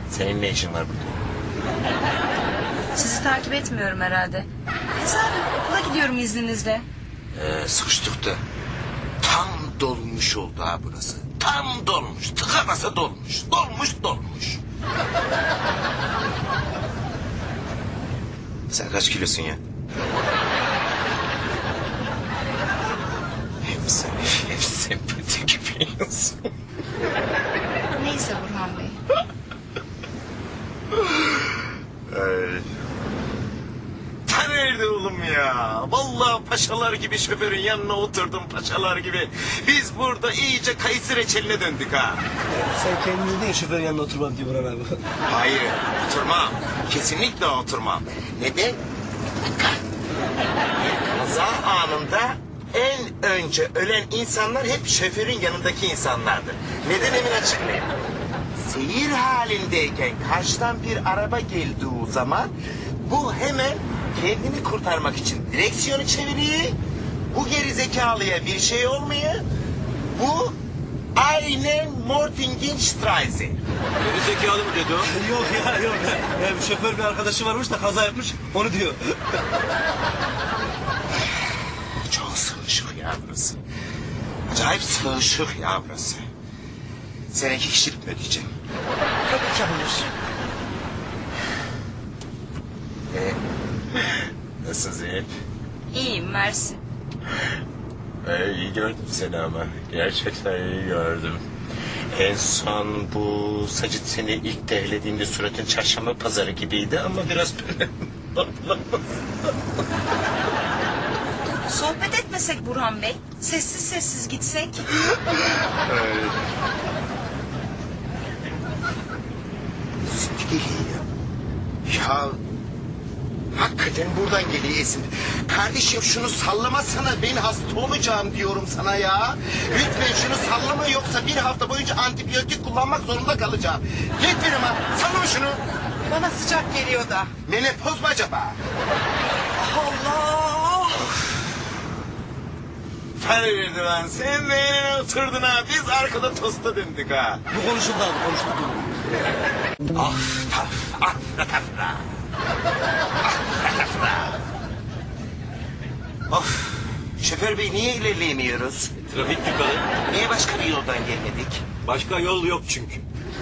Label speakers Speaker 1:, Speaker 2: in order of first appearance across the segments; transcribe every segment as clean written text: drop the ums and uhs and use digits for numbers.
Speaker 1: Senin ne işin var burada?
Speaker 2: Sizi takip etmiyorum herhalde. Tesadüf okula gidiyorum izninizle.
Speaker 1: Sıkıştık da. Tam dolmuş oldu ha burası. Tam dolmuş. Tıka basa dolmuş. Dolmuş. Sen kaç kilosun ya? Hep sempati gibiyorsun.
Speaker 2: Neyse Burhan Bey.
Speaker 1: Ta nerede oğlum ya? Vallahi paşalar gibi şoförün yanına oturdum paşalar gibi. Biz burada iyice kayısı reçeline döndük ha.
Speaker 3: Sen kendini değil şoförün yanına oturmam diye Burhan abi.
Speaker 1: Hayır, oturmam. Kesinlikle oturmam. Neden? Kaza anında en önce ölen insanlar hep şoförün yanındaki insanlardır. Neden emin açıklayayım. Seyir halindeyken karşıdan bir araba geldiği zaman bu hemen kendini kurtarmak için direksiyonu çeviriyor. Bu gerizekalıya bir şey olmuyor. Bu aynen Mortingenstraße.
Speaker 4: Geri zekalı mı dedi o?
Speaker 3: Yok ya yok. Ya, bir şoför bir arkadaşı varmış da kaza yapmış onu diyor.
Speaker 1: Çok sığışık ya burası. Acayip sığışık ya burası. Sen 2 kişilik mi ödeyeceğim?
Speaker 3: Tabii ki yapılır.
Speaker 1: Nasılsın Zeynep?
Speaker 2: İyiyim mersi.
Speaker 1: İyi gördüm seni ama. Gerçekten iyi gördüm. En son bu Sacit seni ilk dehlediğinde suratın çarşamba pazarı gibiydi ama biraz böyle...
Speaker 2: Sohbet etmesek Burhan Bey. Sessiz sessiz gitsek.
Speaker 1: Geliyor. Ya hakikaten buradan geliyor esin. Kardeşim şunu sallamasana, ben hasta olacağım diyorum sana ya. Lütfen şunu sallama yoksa bir hafta boyunca antibiyotik kullanmak zorunda kalacağım. Lütfen ama sallama şunu.
Speaker 5: Bana sıcak geliyor da.
Speaker 1: Menopoz mu acaba?
Speaker 5: Allah!
Speaker 1: Hayırdır lan sen beğenine oturdun ha. Biz arkada tosta döndük ha.
Speaker 3: Bu konuşuldu abi konuşuldu.
Speaker 1: Of taf, afra tafra. Afra tafra. Of, şoför bey niye ilerleyemiyoruz?
Speaker 4: Trafik tıkalı.
Speaker 1: Niye başka bir yoldan gelmedik?
Speaker 4: Başka yol yok çünkü.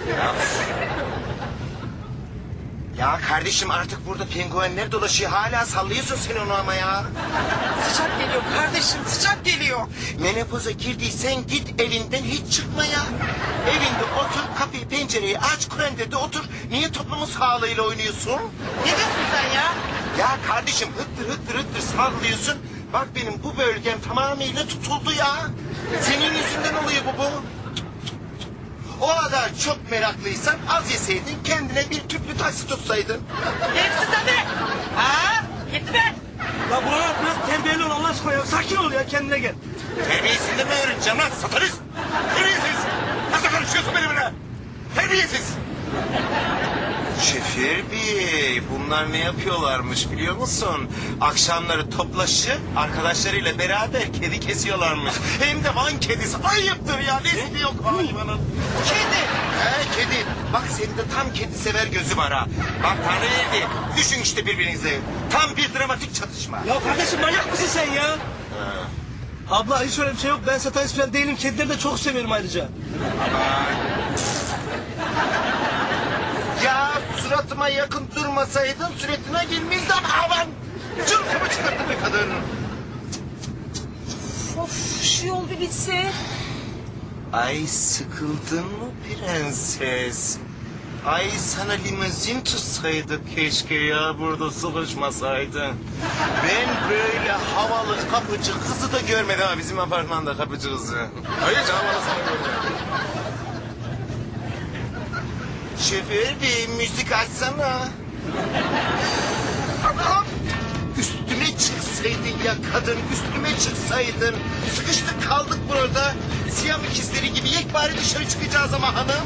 Speaker 1: Ya kardeşim artık burada penguenler dolaşıyor. Hala sallıyorsun sen onu ama ya.
Speaker 5: Sıcak geliyor kardeşim, sıcak geliyor.
Speaker 1: Menopoza girdiysen git evinden hiç çıkma ya. Evinde otur, kapıyı pencereyi aç, kurendede otur. Niye toplumun sağlığıyla oynuyorsun?
Speaker 5: Ne diyorsun sen ya?
Speaker 1: Ya kardeşim hıttır sallıyorsun. Bak benim bu bölgem tamamıyla tutuldu ya. Senin yüzünden oluyor bu. O kadar çok meraklıysan az yeseydin kendine bir tüplü taksi tutsaydın.
Speaker 5: Hepsi tabii. Ha? Gitti be.
Speaker 3: Ya Burhan abi biraz terbiyeli ol Allah aşkına ya. Sakin ol ya kendine gel.
Speaker 1: Terbiyesini mi öğreneceğim lan satanist? Terbiyesiz. Nasıl konuşuyorsun benimle? Terbiyesiz. Şoför bey bunlar ne yapıyorlarmış biliyor musun? Akşamları toplaşıp arkadaşlarıyla beraber kedi kesiyorlarmış. Hem de Van kedisi. Ayıptır ya nesli yok hayvanın. Kedi. He kedi. Bak senin de tam kedi sever gözü var ha. Bak Tanrı verdi. Düşün işte birbirinize. Tam bir dramatik çatışma.
Speaker 3: Ya kardeşim manyak mısın sen ya? Abla hiç öyle bir şey yok. Ben satanist falan değilim. Kedileri de çok seviyorum ayrıca.
Speaker 1: Ya suratıma yakın durmasaydın suratına girmezdi ama aman. Cılkımı çıkarttı be kadın.
Speaker 2: Of şu yol bir bitse.
Speaker 1: Ay sıkıldın mı prenses? Ay sana limuzin tutsaydık keşke ya burada sıkışmasaydın. Ben böyle havalı kapıcı kızı da görmedim ha bizim apartmanda kapıcı kızı. Hayır havalı sana görmedim. Şoför bey müzik açsana. Anam üstüme çıksaydın ya kadın üstüme çıksaydın. Sıkıştık kaldık burada. Siyah ikizleri gibi yekpare dışarı çıkacağız ama hanım.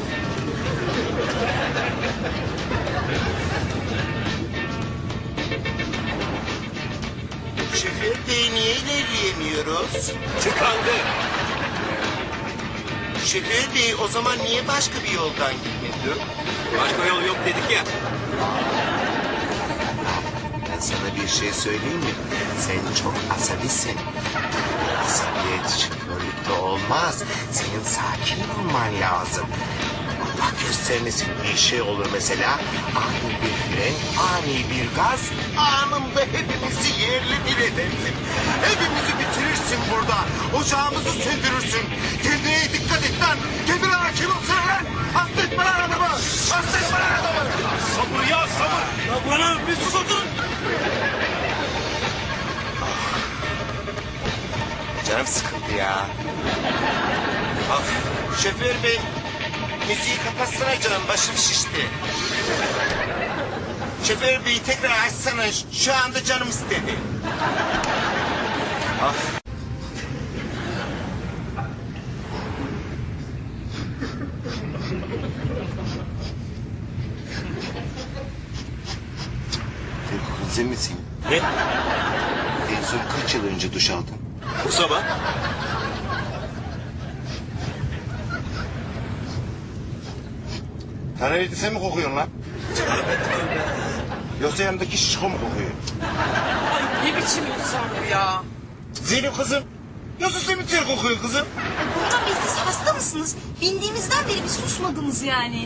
Speaker 1: Şoför bey niye ilerleyemiyoruz?
Speaker 4: Tıkandı.
Speaker 1: Şoför bey o zaman niye başka bir yoldan gitmedi?
Speaker 4: Başka yol yok dedik ya.
Speaker 1: Ben sana bir şey söyleyeyim mi? Sen çok asabisin. Asabiyet şoförlükte olmaz. Senin sakin olman lazım. Allah göstermesin bir şey olur mesela. Ani bir fren, ani bir gaz, anında hepimizi yerle bir edersin. Hepimizi bitirirsin burada. Ocağımızı söndürürsün. Kendine dikkat et lan. Kendine hakim olsana lan. Hasta etme lan adamı. Hasta etme lan adamı.
Speaker 4: Sabır ya sabır. Ya bana bir sus oturun.
Speaker 1: Canım sıkıldı ya. Şoför bey, müziği kapatsana canım, başım şişti. Şoför bey tekrar açsana, şu anda canım istedi. Sen misin?
Speaker 4: Ne?
Speaker 1: En son kaç yıl önce duş aldın?
Speaker 4: Bu sabah.
Speaker 1: Karayiği sen mi kokuyorsun lan? Yoksa yanındaki şişko mu kokuyor?
Speaker 5: Ne biçim insan bu ya?
Speaker 1: Zeynep kızım, nasıl simityer kokuyor kızım?
Speaker 2: Burhan Bey siz hasta mısınız? Bindiğimizden beri bir susmadınız yani.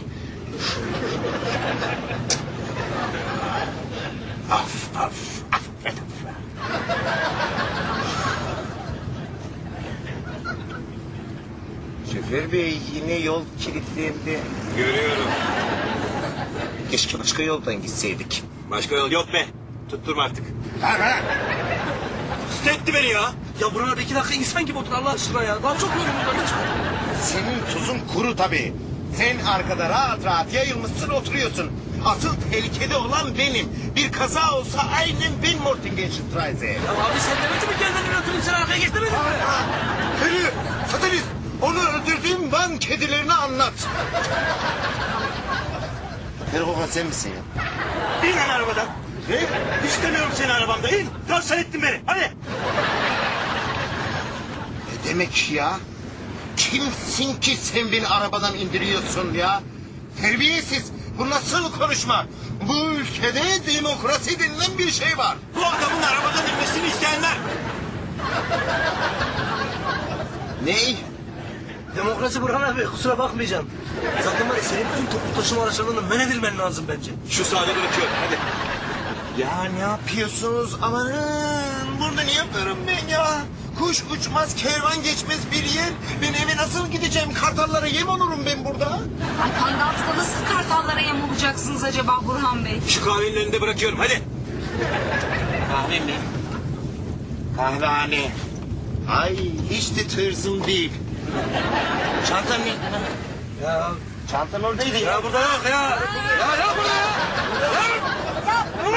Speaker 1: Şoför bey yine yol kilitlendi.
Speaker 4: Görüyorum.
Speaker 1: Keşke başka yoldan gitseydik.
Speaker 4: Başka yol yok be. Tutturma artık.
Speaker 1: Ha.
Speaker 3: Hasta etti beni ya. Ya Burhan abi 2 dakika insan gibi otur Allah aşkına ya. Daha çok yorulmuş lütfen.
Speaker 1: Senin tuzun kuru tabii. Sen arkada rahat rahat yayılmışsın oturuyorsun. Asıl tehlikede olan benim. Bir kaza olsa aynen ben Mortingenstraße.
Speaker 3: Ya abi sen demedin mi gel beni öldüreyim sen arkaya geç demedin mi?
Speaker 1: Hırı, satanist. Onu öldürdüğüm Van kedilerini anlat. Erkoğan sen misin ya?
Speaker 4: İn lan arabadan.
Speaker 1: Ne?
Speaker 4: İstemiyorum seni arabamda. İn. Kanser ettin beni. Hadi.
Speaker 1: Ne demek ya? Kimsin ki sen beni arabadan indiriyorsun ya? Terbiyesiz. Bu nasıl konuşma? Bu ülkede demokrasi denilen bir şey var.
Speaker 4: Bu adamın arabadan inmesini isteyenler.
Speaker 1: Ney?
Speaker 3: Demokrasi Burhan abi kusura bakmayacaksın. Zaten var ya senin bütün toplu taşıma araçlarını men edilmen lazım bence.
Speaker 4: Şu sahada bırakıyorum. Hadi.
Speaker 1: Ya ne yapıyorsunuz? Amanın burada ne yapıyorum ben ya? Kuş uçmaz, kervan geçmez bir yer. Ben eve nasıl gideceğim? Kartallara yem olurum ben burada.
Speaker 2: Ay Pangaltı'da nasıl kartallara yem olacaksınız acaba Burhan Bey?
Speaker 4: Şu kahvenin önünde bırakıyorum. Hadi.
Speaker 1: Kahve mi? Kahvehane. Ay hiç de tırzım değil. Çantam nerede lan?
Speaker 3: Ya,
Speaker 1: Çantam oradaydı ya.
Speaker 3: ya burada yok ya. Ya yok burada ya. Ya.